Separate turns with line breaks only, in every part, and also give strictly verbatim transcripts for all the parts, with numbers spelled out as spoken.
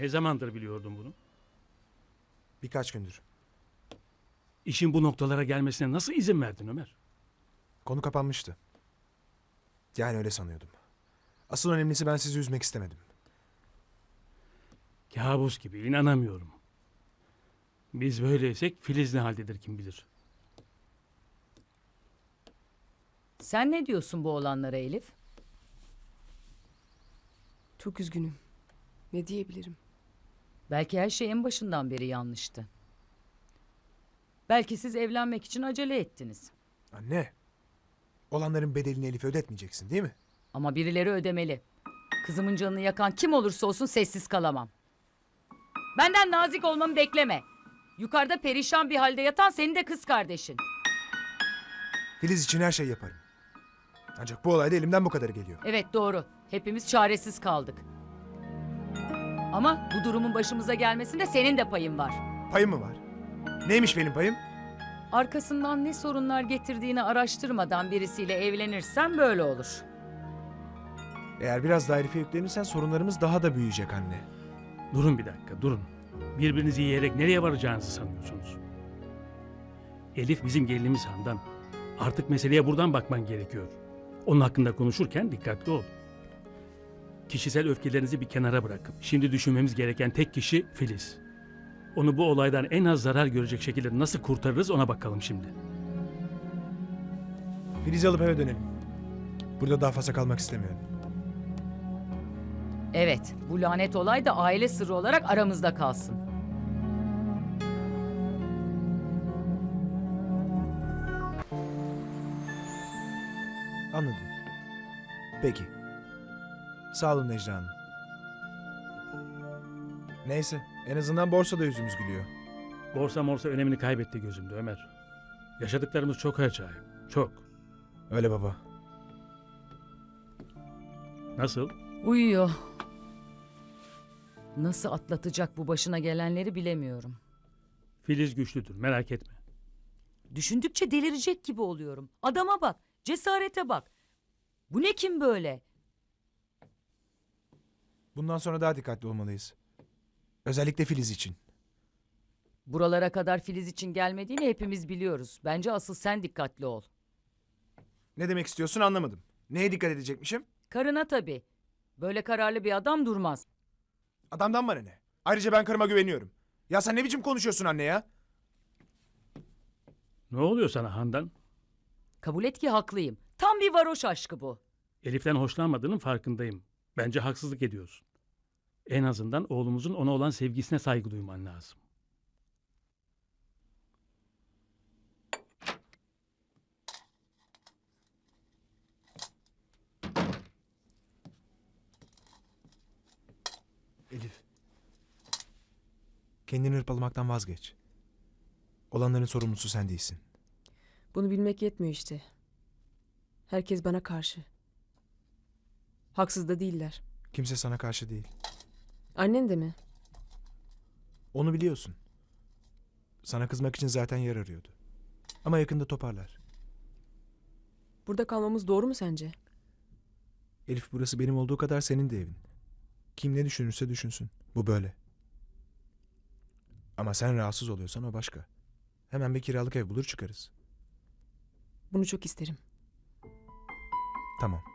Ne zamandır biliyordun bunu?
Birkaç gündür.
İşin bu noktalara gelmesine nasıl izin verdin Ömer?
Konu kapanmıştı. Yani öyle sanıyordum. Asıl önemlisi ben sizi üzmek istemedim.
Kabus gibi, inanamıyorum. Biz böyleysek Filiz ne haldedir kim bilir.
Sen ne diyorsun bu olanlara Elif?
Çok üzgünüm. Ne diyebilirim?
Belki her şey en başından beri yanlıştı. Belki siz evlenmek için acele ettiniz.
Anne, olanların bedelini Elif'e ödetmeyeceksin değil mi?
Ama birileri ödemeli. Kızımın canını yakan kim olursa olsun sessiz kalamam. Benden nazik olmamı bekleme. Yukarıda perişan bir halde yatan senin de kız kardeşin.
Filiz için her şey yaparım. Ancak bu olayda elimden bu kadarı geliyor.
Evet doğru. Hepimiz çaresiz kaldık. Ama bu durumun başımıza gelmesinde senin de payın var.
Payım mı var? Neymiş benim payım?
Arkasından ne sorunlar getirdiğini araştırmadan birisiyle evlenirsen böyle olur.
Eğer biraz daha Elif'e yüklenirsen sorunlarımız daha da büyüyecek anne.
Durun bir dakika, durun. Birbirinizi yiyerek nereye varacağınızı sanıyorsunuz? Elif bizim gelinimiz Handan. Artık meseleye buradan bakman gerekiyor. Onun hakkında konuşurken dikkatli ol. Kişisel öfkelerinizi bir kenara bırakıp şimdi düşünmemiz gereken tek kişi Filiz. Onu bu olaydan en az zarar görecek şekilde nasıl kurtarırız ona bakalım şimdi.
Filiz'i alıp eve dönelim. Burada daha fazla kalmak istemiyorum.
Evet, bu lanet olay da aile sırrı olarak aramızda kalsın.
Anladım. Peki. Sağ olun Necla Hanım. Neyse, en azından borsada yüzümüz gülüyor.
Borsa morsa önemini kaybetti gözümde Ömer. Yaşadıklarımız çok acayip, çok.
Öyle baba.
Nasıl?
Uyuyor. Nasıl atlatacak bu başına gelenleri bilemiyorum.
Filiz güçlüdür, merak etme.
Düşündükçe delirecek gibi oluyorum. Adama bak, cesarete bak. Bu ne kim böyle?
Bundan sonra daha dikkatli olmalıyız. Özellikle Filiz için.
Buralara kadar Filiz için gelmediğini hepimiz biliyoruz. Bence asıl sen dikkatli ol.
Ne demek istiyorsun anlamadım. Neye dikkat edecekmişim?
Karına tabii. Böyle kararlı bir adam durmaz.
Adamdan bana ne? Ayrıca ben karıma güveniyorum. Ya sen ne biçim konuşuyorsun anne ya?
Ne oluyor sana Handan?
Kabul et ki haklıyım. Tam bir varoş aşkı bu.
Elif'ten hoşlanmadığının farkındayım. Bence haksızlık ediyorsun. En azından oğlumuzun ona olan sevgisine saygı duyman lazım.
Elif. Kendini hırpalamaktan vazgeç. Olanların sorumlusu sen değilsin.
Bunu bilmek yetmiyor işte. Herkes bana karşı. Haksız da değiller.
Kimse sana karşı değil.
Annen de mi?
Onu biliyorsun. Sana kızmak için zaten yer arıyordu. Ama yakında toparlar.
Burada kalmamız doğru mu sence?
Elif burası benim olduğu kadar senin de evin. Kim ne düşünürse düşünsün. Bu böyle. Ama sen rahatsız oluyorsan o başka. Hemen bir kiralık ev bulur çıkarız.
Bunu çok isterim.
Tamam.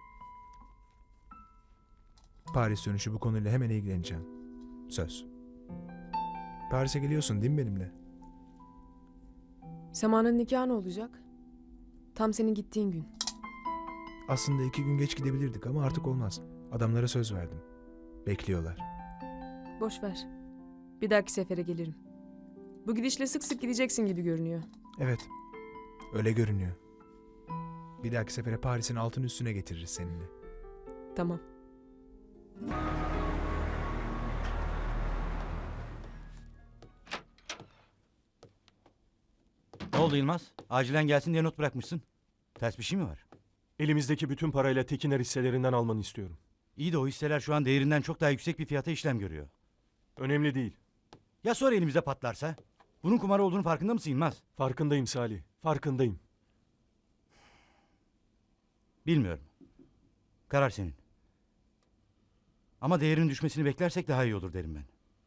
Paris dönüşü bu konuyla hemen ilgileneceğim. Söz. Paris'e geliyorsun değil mi benimle?
Sema'nın nikahı ne olacak? Tam senin gittiğin gün.
Aslında iki gün geç gidebilirdik ama artık olmaz. Adamlara söz verdim. Bekliyorlar.
Boş ver. Bir dahaki sefere gelirim. Bu gidişle sık sık gideceksin gibi görünüyor.
Evet. Öyle görünüyor. Bir dahaki sefere Paris'in altın üstüne getiririz seninle.
Tamam.
Ne oldu Yılmaz? Acilen gelsin diye not bırakmışsın. Ters bir şey mi var?
Elimizdeki bütün parayla Tekiner hisselerinden almanı istiyorum.
İyi de o hisseler şu an değerinden çok daha yüksek bir fiyata işlem görüyor.
Önemli değil.
Ya sonra elimizde patlarsa? Bunun kumar olduğunu farkında mısın Yılmaz?
Farkındayım Salih. Farkındayım.
Bilmiyorum. Karar senin. Ama değerinin düşmesini beklersek daha iyi olur derim ben.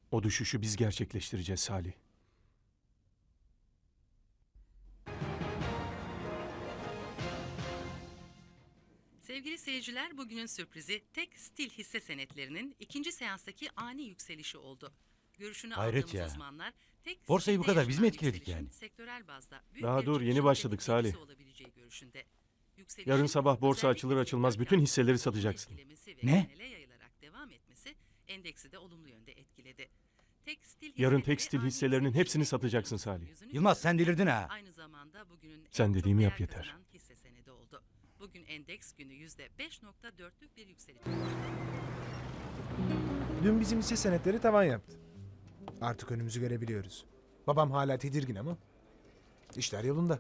O düşüşü biz gerçekleştireceğiz Salih.
Sevgili seyirciler, bugünün sürprizi tek stil hisse senetlerinin ikinci seanstaki ani yükselişi oldu. Görüşünü
Hayret
aldığımız
ya.
uzmanlar tek
Borsayı bu
stilde
kadar biz mi
yaşanan
etkiledik
yükselişin
yani?
sektörel bazda büyük
Daha
bir
dur, yeni
çıkışın
başladık
tetikleyicisi
Salih.
olabileceği görüşünde. Yükselişin
Yarın sabah borsa
özellikle
açılır açılmaz
sektör
bütün
kârı
hisseleri
artışını
satacaksın.
etkilemesi ve
Ne?
genele yayılarak devam etmesi endeksi de olumlu yönde etkiledi. Tekstil
Yarın
hisseleri
tekstil
ani
hisselerinin
yükselişle
hepsini satacaksın
yüzünü
Salih.
yüzünü
Yılmaz sen delirdin ha.
Aynı zamanda bugünün
Sen
en çok
dediğimi yap
değer
yeter.
kazanan hisse senedi oldu. Bugün endeks günü yüzde beş nokta dörtlük bir yükseliş.
Dün bizim hisse senetleri tavan yaptı. Artık önümüzü görebiliyoruz. Babam hala tedirgin ama işler yolunda.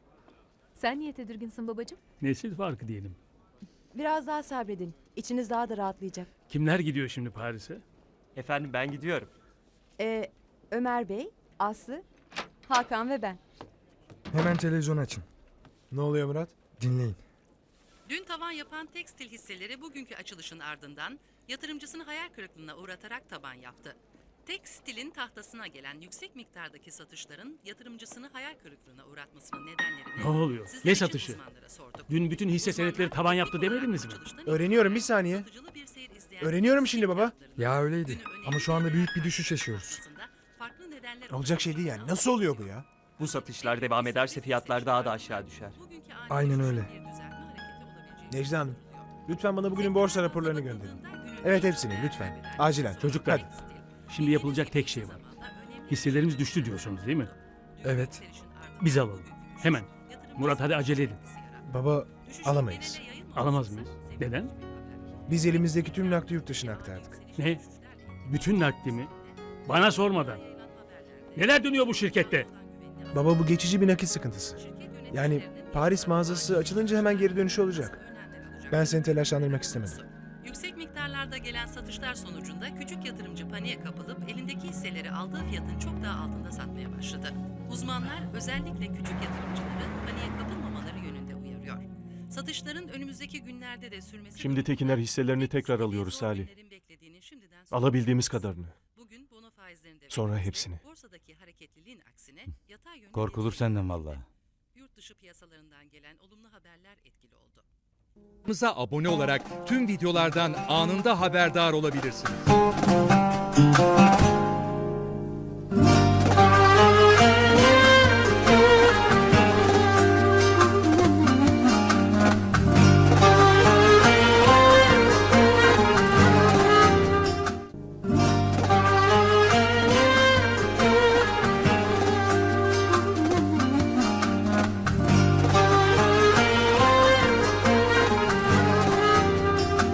Sen niye tedirginsin babacığım?
Nesil farkı diyelim.
Biraz daha sabredin. İçiniz daha da rahatlayacak.
Kimler gidiyor şimdi Paris'e?
Efendim ben gidiyorum.
Ee, Ömer Bey, Aslı, Hakan ve ben.
Hemen televizyon açın.
Ne oluyor Murat?
Dinleyin.
Dün tavan yapan tekstil hisseleri bugünkü açılışın ardından yatırımcısını hayal kırıklığına uğratarak taban yaptı. Tekstilin tahtasına gelen yüksek miktardaki satışların yatırımcısını hayal kırıklığına uğratmasının nedenlerini
Ne oluyor?
sizler
Ne
için
satışı?
uzmanlara sorduk.
Dün bütün hisse
Uzmanlar
senetleri tavan yaptı
teknik olarak
demediniz mi?
açılıştan
Öğreniyorum, bir
itibaren
saniye.
satıcılı bir seyir izleyen
Öğreniyorum şimdi baba.
fiyatlarının
Ya öyleydi.
günü önemli
Ama şu anda
bir
büyük bir
değer
düşüş yaşıyoruz.
artmasında farklı nedenler
Olacak şey değil yani.
olduğunu
Nasıl oluyor bu ya?
Bu satışlar devam ederse fiyatlar daha da aşağı düşer.
Bugünkü ani
Aynen
düşüşün
öyle.
bir düzeltme hareketi olabileceği
Necla Hanım,
söyleniyor.
lütfen bana bugünün borsa raporlarını gönderin. Evet, hepsini lütfen. Acilen.
Çocuklar,
Hadi.
şimdi yapılacak tek şey var. Hisselerimiz düştü diyorsunuz değil mi?
Evet.
Biz alalım. Hemen. Murat hadi acele edin.
Baba, alamayız.
Alamaz mıyız? Neden?
Biz elimizdeki tüm nakdi yurt dışına aktardık.
Ne? Bütün nakdimi? Bana sormadan. Neler dönüyor bu şirkette?
Baba, bu geçici bir nakit sıkıntısı. Yani Paris mağazası açılınca hemen geri dönüşü olacak. Ben seni telaşlandırmak istemedim.
Yüksek miktarlarda gelen satışlar sonucunda küçük yatırımcı paniğe kapılıp elindeki hisseleri aldığı fiyatın çok daha altında satmaya başladı. Uzmanlar özellikle küçük yatırımcıları paniğe kapılmamaları yönünde uyarıyor. Satışların önümüzdeki günlerde de sürmesi...
Şimdi Tekiner hisselerini tekrar alıyoruz Salih. Alabildiğimiz kadarını.
Bugün bono faizlerinde ve
Sonra
faizde
hepsini.
Borsadaki hareketliliğin aksine yatay yönde
Korkulur
bir-
senden vallahi.
Yurt dışı piyasalarından gelen olumlu haberler etkili oldu.
Kanalımıza abone olarak tüm videolardan anında haberdar olabilirsiniz.